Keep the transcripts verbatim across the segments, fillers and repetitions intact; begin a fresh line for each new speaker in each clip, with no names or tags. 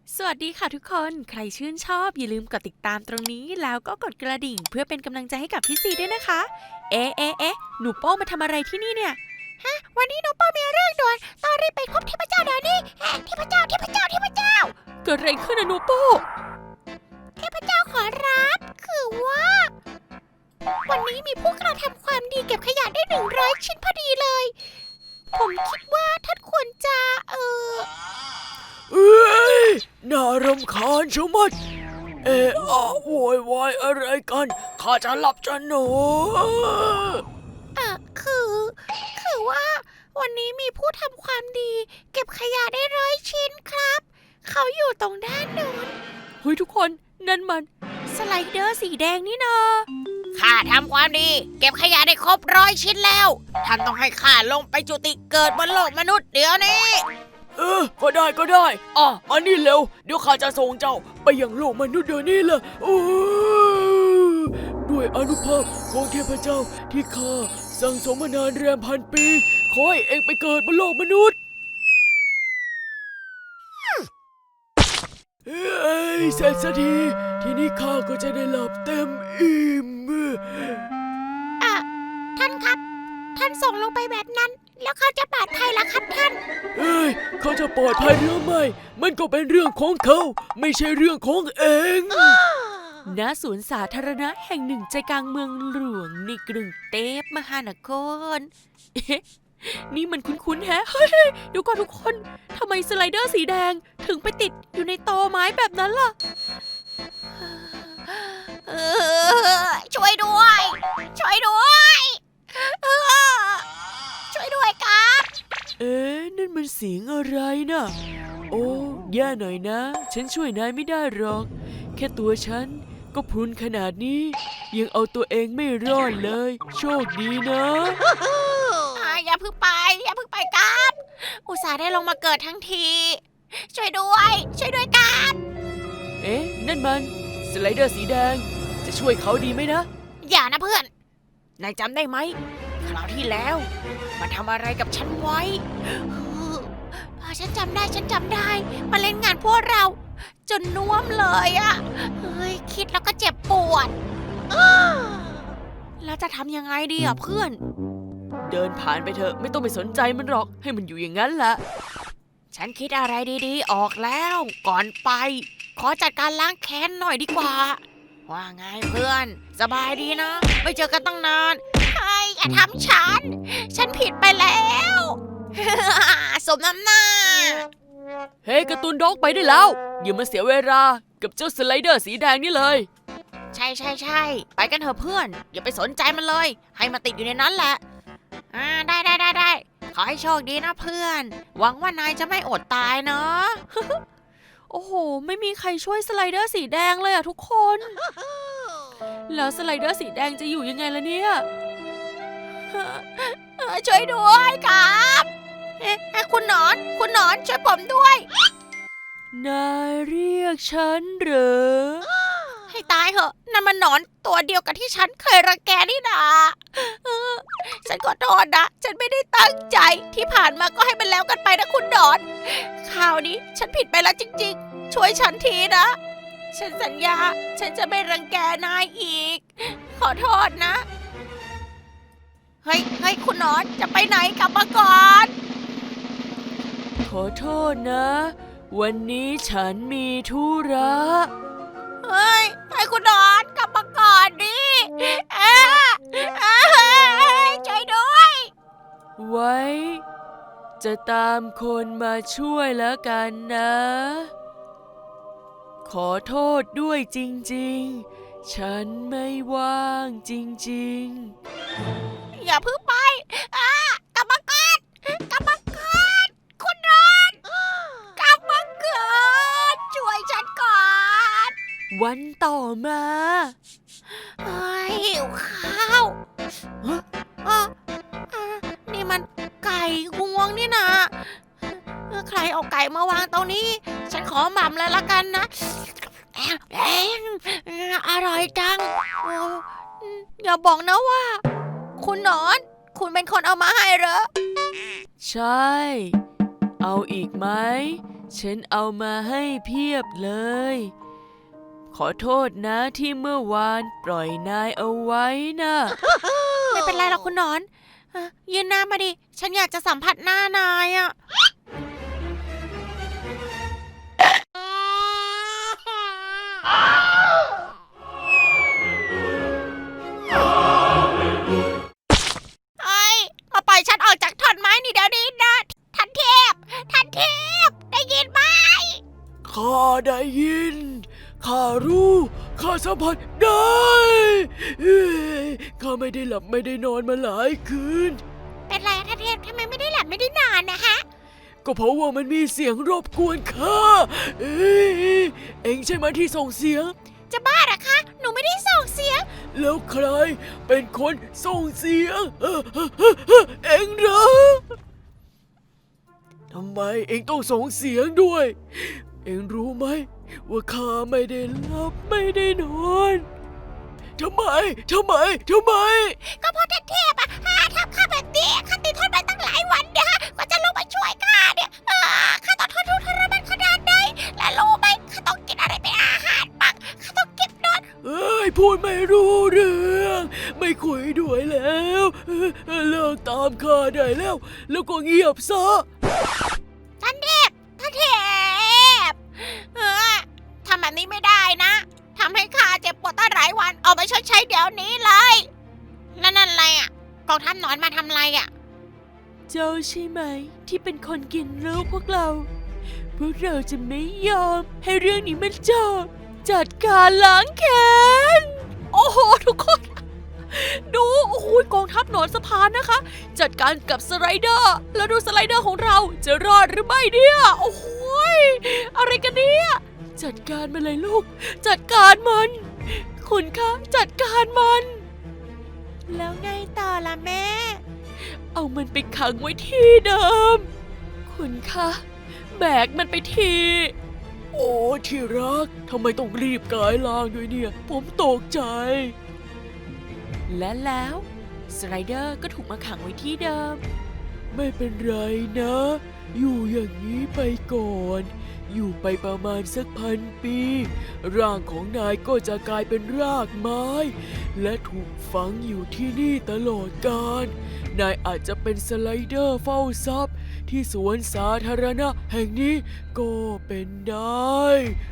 สวัสดีค่ะทุกคนใครชื่นชอบอย่าลืมกดติดตามตรงนี้แล้วก็กดกระดิ่งเพื่อเป็นกำลังใจให้กับพี่ซีด้วยนะคะเอ๊ะเอ๊ะเอ๊ะหนูโป้มาทำอะไรที่นี่เนี่ยฮะวันนี้หนูโป้มีเรื่องด่วนต้องรีบไปพบเทพเจ้าเดี๋ยวนี้เทพเจ้าเทพเจ้าเทพเจ้าเกิดอะไรขึ้นนะหนูโป้เทพเจ้าขอรับคือว่าวันนี้มีผู้กระทำความดีเก็บขยะได้หนึ่งร้อยชิ้นพอดีเลยผมคิดว่าท่านควรจะเออ
เอ้ยน่ารำคาญชะมัดเอะอะโวยวายอะไรกันข้าจะหลับจะนอน
อ่ะคือคือว่าวันนี้มีผู้ทำความดีเก็บขยะได้ร้อยชิ้นครับเขาอยู่ตรงด้านโน้นเฮ้ยทุกคนนั่นมันสไลเดอร์สีแดงนี่นา
ข้าทำความดีเก็บขยะได้ครบร้อยชิ้นแล้วท่านต้องให้ข้าลงไปจุติเกิดบนโลกมนุษย์เดี๋ยวนี้
เออก็ได้ก็ได้อ่ะมานี่เร็วเดี๋ยวข้าจะส่งเจ้าไปยังโลกมนุษย์เดี๋ยวนี้เลยโอ้ด้วยอานุภาพของเทพเจ้าที่ข้าสั่งสมมานานแรมพันปีขอให้เองไปเกิดบนโลกมนุษย์เอ้ยเสร็จสักทีทีนี้ข้าก็จะได้หลับเต็มอิ่ม
อ่ะท่านครับท่านส่งลงไปแบบนั้นแล้วเขาจะปลอดภัยล่ะครับท่าน
เอ้ยเขาจะปลอดภัยหรือไม่มันก็เป็นเรื่องของเขาไม่ใช่เรื่องของเอง
ณ สวนสาธารณะแห่งหนึ่งใจกลางเมืองหลวงในกรุงเทพมหานครเอ๊ะนี่มันคุ้นๆแฮะเฮ้ยเดี๋ยวก่อนทุกคนทำไมสไลเดอร์สีแดงถึงไปติดอยู่ในตอไม้แบบนั้นล่ะ
เออช่วยด้วยช่วยด้วยเออช่วยด้วยครับ
เอ๊ะนั่นมันเสียงอะไรน่ะโอ้แย่หน่อยนะฉันช่วยนายไม่ได้หรอกแค่ตัวฉันก็พรุนขนาดนี้ยังเอาตัวเองไม่รอดเลยโชคดีนะ
อย่าเพิ่งไปอย่าเพิ่งไปครับอุตส่าห์ได้ลงมาเกิดทั้งทีช่วยด้วยช่วยด้วยครับ
เอ๊ะนั่นมันสไลเดอร์สีแดงจะช่วยเขาดีไหมนะ
อย่านะเพื่อนนายจำได้ไหมคราวที่แล้วมันทำอะไรกับฉันไว้เออฉันจำได้ฉันจำได้มาเล่นงานพวกเราจนน่วมเลยอะเฮ้ยคิดแล้วก็เจ็บปวดแล้วจะทำยังไงดีอะเพื่อน
เดินผ่านไปเถอะไม่ต้องไปสนใจมันหรอกให้มันอยู่อย่างนั้นแหละ
ฉันคิดอะไรดีๆออกแล้วก่อนไปขอจัดการล้างแค้นหน่อยดีกว่าว่าไงเพื่อนสบายดีนะไม่เจอกันตั้งนานเฮ้ยอย่าทำฉันฉันผิดไปแล้ว สมน้ำหน้า
เฮ้ hey, การ์ตูนด็อกไปได้แล้วอย่ามาเสียเวลากับเจ้าสไลเดอร์สีแดงนี่เลย
ใช่ใช่ใช่ไปกันเถอะเพื่อนอย่าไปสนใจมันเลยให้มาติดอยู่ในนั้นแหละอ่าได้ได้ได้ได้ขอให้โชคดีนะเพื่อนหวังว่านายจะไม่อดตายเนาะ
โอ้โหไม่มีใครช่วยสไลเดอร์สีแดงเลยอะทุกคน แล้วสไลเดอร์สีแดงจะอยู่ยังไงล่ะเนี่ย
ช่วยด้วยครับเอ๊ะคุณหนอนคุณหนอนช่วยผมด้วย
นายเรียกฉันเหรอ
ให้ตายเหอะนั่นมันหนอนตัวเดียวกับที่ฉันเคยรังแกนี่นาเออฉันขอโทษนะฉันไม่ได้ตั้งใจที่ผ่านมาก็ให้มันแล้วกันไปนะคุณหนอนคราวนี้ฉันผิดไปแล้วจริงๆช่วยฉันทีนะฉันสัญญาฉันจะไม่รังแกนายอีกขอโทษนะเฮ้ยเฮ้ยคุณหนอนจะไปไหนกลับมาก่อน
ขอโทษนะวันนี้ฉันมีธุระ
เฮ้ยให้คุณนอนกลับมาก่อนดิเอ๊ะเอ๊ะช่วยด้วย
ไว้ จะตามคนมาช่วยแล้วกันนะ ขอโทษด้วยจริงๆ ฉันไม่ว่างจริง
ๆ อย่าเพิ่งไปอ่ะกลับมาก่อนกลับมาก่อนคุณนอนกลับมาก่อนช่วยฉันก่อน
วันต่อมา
เฮ้ยหิวข้าวอ่ะนี่มันไก่งวงนี่นะใครเอาไก่มาวางตรงนี้ฉันขอหม่ำเลยละกันนะแองอร่อยจังอย่าบอกนะว่าคุณหนอนคุณเป็นคนเอามาให้เหรอ
ใช่ เอาอีกไหม
ฉันเอามาให้เพียบเลย ขอโทษนะที่เมื่อวานปล่อยนายเอาไว้นะ
ไม่เป็นไรหรอกคุณหนอนเอ่อยืนหน้ามาดิ ฉันอยากจะสัมผัสหน้านายอะ เอ้ยมาปล่อยฉันออกจากท่อนไม้นี่เดี๋ยวนี้นะท่านเทพ ท่านเทพ ได้ยินไหม
ข้าได้ยิน ข้ารู้ ข้าสัมผัสได้เอ้ยข้าไม่ได้หลับไม่ได้นอนมาหลายคืน
เป็นไรอะท่านเทพทำไมไม่ได้หลับไม่ได้นอนนะฮะ
ก็เพราะว่ามันมีเสียงรบกวนข้าเอ้ยเอ็งใช่ไหมที่ส่งเสียง
จะบ้าเหรอคะ หนูไม่ได้ส่งเสียง
แล้วใครเป็นคนส่งเสียงเอ่อเอ่อเอ่อเอ่อเอ็งเหรอทำไมเอ็งต้องส่งเสียงด้วย เอ็งรู้ไหมว่าข้าไม่ได้หลับไม่ได้นอนทำไมทำไมทำไม
ก็เพราะท่านเทพอะหาทำข้าแบบนี้ข้าติดทนมาตั้งหลายวันเนี่ยฮะกว่าจะลงมาช่วยข้าเนี่ยอ่าข้าต้องทนทุกข์ทรมานขนาดไหนและรู้ไหมข้าต้องกินอะไรเป็นอาหารบ้างข้าต้องเก็บนอน
เอ้ยพูดไม่รู้เรื่อง ไม่คุยด้วยแล้วเออเออเลิกตามข้าได้แล้ว แล้วก็เงียบซะ
ท่านเทพท่านเทพเออทำแบบนี้ไม่ได้นะทำให้ข้าเจ็บปวดตั้งหลายวันเอาไปชดใช้เดี๋ยวนี้เลยแล้วนั่นอะไรอ่ะกองทัพหนอนมาทำอะไรอ่ะ
เจ้าใช่ไหมที่เป็นคนกินลูกพวกเรา พวกเราจะไม่ยอมให้เรื่องนี้มันจบ จัดการล้างแค้น โอ้โหทุกคน ดูโอ้โหกองทัพหนอนสะพานนะคะ จัดการกับสไลเดอร์ แล้วดูสไลเดอร์ของเราจะรอดหรือไม่เนี่ย โอ้โหยอะไรกันเนี่ยจัดการมันเลยลูก จัดการมัน คุณคะจัดการมัน
แล้วไงต่อล่ะแม่
เอามันไปขังไว้ที่เดิม คุณคะแบกมันไปที
โอ้ที่รักทำไมต้องรีบกายล่างด้วยเนี่ย ผมตกใจ
และแล้วสไลเดอร์ก็ถูกมาขังไว้ที่เดิม
ไม่เป็นไรนะ อยู่อย่างนี้ไปก่อน อยู่ไปประมาณสักพันปี ร่างของนายก็จะกลายเป็นรากไม้ และถูกฝังอยู่ที่นี่ตลอดกาล นายอาจจะเป็นสไลเดอร์เฝ้าทรัพย์ ที่สวนสาธารณะแห่งนี้ก็เป็นได้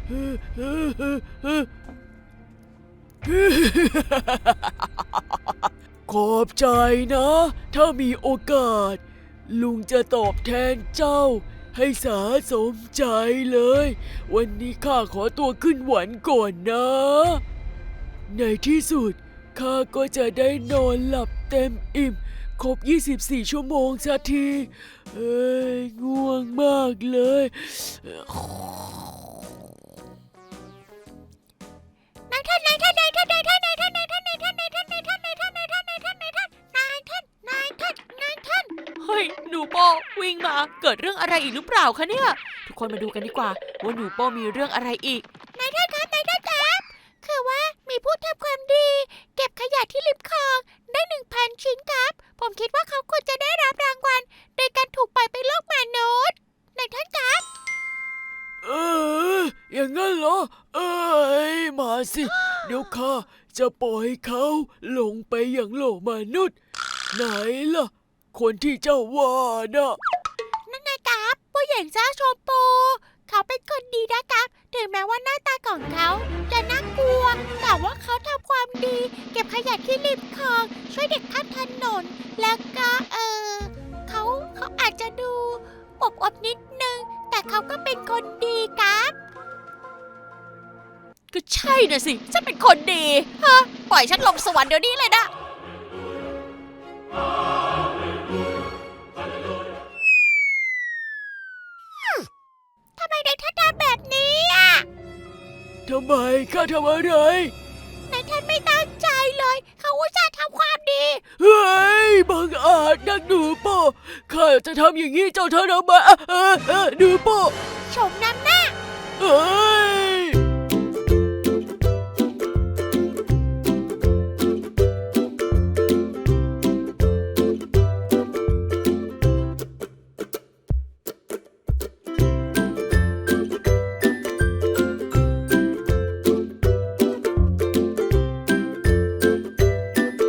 ขอบใจนะ ถ้ามีโอกาส ลุงจะตอบแทนเจ้า ให้สาสมใจเลย วันนี้ข้าขอตัวขึ้นหวันก่อนนะ ในที่สุดข้าก็จะได้นอนหลับเต็มอิ่ม ครบ ยี่สิบสี่ ชั่วโมงสักที เอ้ยง่วงมากเลย
นายท่านนายท่านนายท่านนายท่านนายท่านนายท่านนายท่านนายท่านนายท่านนายท่านนายท่านนายท่านนายท่านนายท่านนายท่านนายท่าน
เฮ้ยหนูโปวิ่งมาเกิดเรื่องอะไรอีกหรือเปล่าคะเนี่ย ทุกคนมาดูกันดีกว่า ว่าหนูโปมีเรื่องอะไรอีก
นายท่านครับนายท่านครับคือว่ามีผู้ทำความดี เก็บขยะที่ริมคลองได้หนึ่งพันชิ้นครับ ผมคิดว่าเขาควรจะได้รับรางวัลโดยการถูกปล่อยไปโลกมนุษย์นายท่านครับ
เอออย่างนั้นเหรอ เอ้ยมาสิ เดี๋ยวข้าจะปล่อยเขาลงไปอย่างโลกมนุษย์ ไหนล่ะ คนที่เจ้าว่าน่ะ
นั่นไงครับผู้หญิงเจ้าชมพูเขาเป็นคนดีนะครับ ถึงแม้ว่าหน้าตาของเขาจะน่ากลัว แต่ว่าเขาทำความดี เก็บขยะที่ริมคลอง ช่วยเด็กข้ามถนน แล้วก็เออเขาเขาอาจจะดูอบอบๆนิดนึง แต่เขาก็เป็นคนดีครับ
ก็ใช่น่ะสิ ฉันเป็นคนดี
ฮะปล่อยฉันลงสวรรค์เดี๋ยวนี้เลยนะทำไมนายท่านทำแบบนี้อ่ะ
ทำไมข้าทำอะไร
นายท่านไม่ตั้งใจเลย เขาอุตส่าห์ทำความดี
เฮ้ยบังอาจนักดูโป้ข้าจะทำอย่างนี้เจ้าเธอทำไมเออเออเออดูโป้
ชมน้ำหน้า
เออ